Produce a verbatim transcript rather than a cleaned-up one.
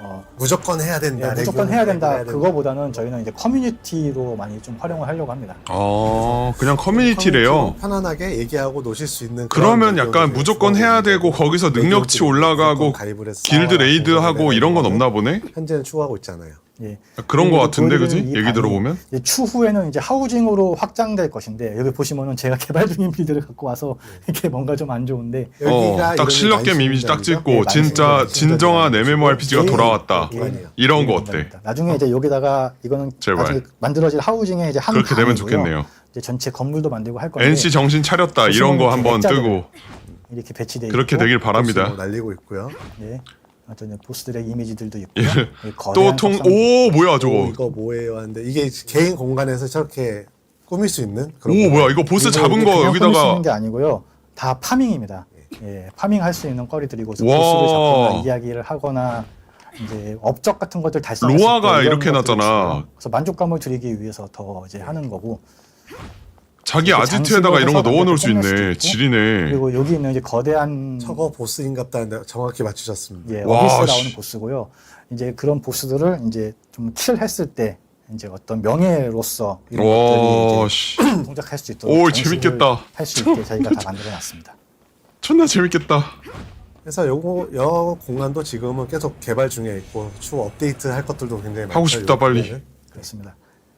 어, 무조건 해야 된다. 예, 무조건 해야 된다. 해야 된다. 그거보다는 저희는 이제 커뮤니티로 많이 좀 활용을 하려고 합니다. 어, 그냥 커뮤니티래요. 편안하게 얘기하고 노실 수 있는. 그러면 그런 약간 의견을 무조건 해야 되고 거기서 능력치 올라가고 가입을 해서 길드 레이드하고 이런 건 없나 보네? 현재는 추구하고 있잖아요. 예. 그런 거 같은데, 보여드리는 그지? 이 얘기 방이 들어보면? 이제 추후에는 이제 하우징으로 확장될 것인데, 여기 보시면은 제가 개발 중인 빌드를 갖고 와서 이렇게 뭔가 좀 안 좋은데, 어, 딱 실력 게임 이미지 딱 찍고 진짜 진정한 엠엠오알피지가 돌아왔다. 예. 이런 거 어때? 나중에 이제 여기다가 이거는 제발. 나중에 만들어질 하우징의 이제 한 그렇게 되면 방이고요. 좋겠네요. 이제 전체 건물도 만들고 할 건데, 엔씨 정신 차렸다 이런 거 한번 뜨고 이렇게 배치돼 그렇게 있고, 되길 바랍니다. 날리고 있고요. 예. 어떤 보스들의 이미지들도 있고요. 예. 예, 거대한 또 통, 석상도 오, 뭐야 오, 저거. 이거 뭐예요? 하는데 이게 개인 공간에서 저렇게 꾸밀 수 있는 그런. 오, 공간. 뭐야 이거 보스 이거 잡은 이게 거 그냥 꾸밀 수 여기다가 있는 게 아니고요. 다 파밍입니다. 예, 파밍할 수 있는 거리들이고 보스를 와. 잡거나 이야기를 하거나 이제 업적 같은 것들 달성했을 때 로아가 이런 이렇게 것들이 해놨잖아. 있어요. 그래서 만족감을 드리기 위해서 더 이제 하는 거고. 자기 이렇게 아지트에다가 이런 거 장식으로 넣어놓을 수 해서 만들 있네. 수도 있고. 지리네. 그리고 여기 있는 이제 거대한 저거 보스인갑다. 정확히 맞추셨습니다. 예, 와, 어비스 씨. 나오는 보스고요. 이제 그런 보스들을 이제 좀 킬했을 때 이제 어떤 명예로서 이런 와, 것들이 씨. 이제 동작할 수 있도록 오, 장식을 재밌겠다. 할 수 있게 저희가 다 만들어놨습니다. 존나 재밌겠다. 그래서 요거 여 공간도 지금은 계속 개발 중에 있고 추후 업데이트 할 것들도 굉장히 많죠. 하고 싶다, 요 빨리. 공간은. 그렇습니다.